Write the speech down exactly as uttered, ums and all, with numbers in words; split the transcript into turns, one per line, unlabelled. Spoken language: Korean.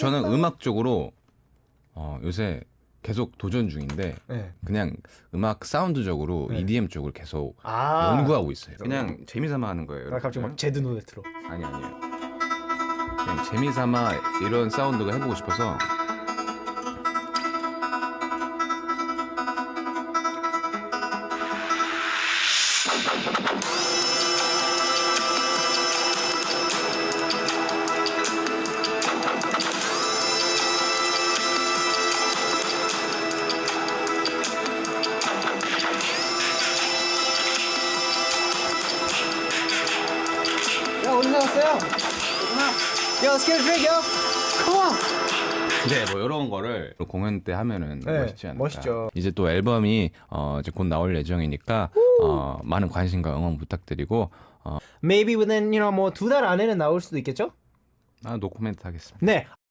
저는 음악 쪽으로 어, 요새 계속 도전 중인데
네.
그냥 음악 사운드적으로
네.
이디엠 쪽을 계속
아.
연구하고 있어요. 그냥 재미삼아 하는 거예요.
나 갑자기 막 제드 노래 틀어.
아니 아니에요. 그냥 재미삼아 이런 사운드가 해보고 싶어서.
야 어디서 왔어요? 야 let's get a drink, yo. Come on.
네, 뭐 이런 거를 공연 때 하면은
네,
멋있지 않을까.
멋있죠.
이제 또 앨범이 어, 이제 곧 나올 예정이니까 어, 많은 관심과 응원 부탁드리고 어,
Maybe within you know 뭐 두 달 안에는 나올 수도 있겠죠?
아, 노코멘트 하겠습니다.
네.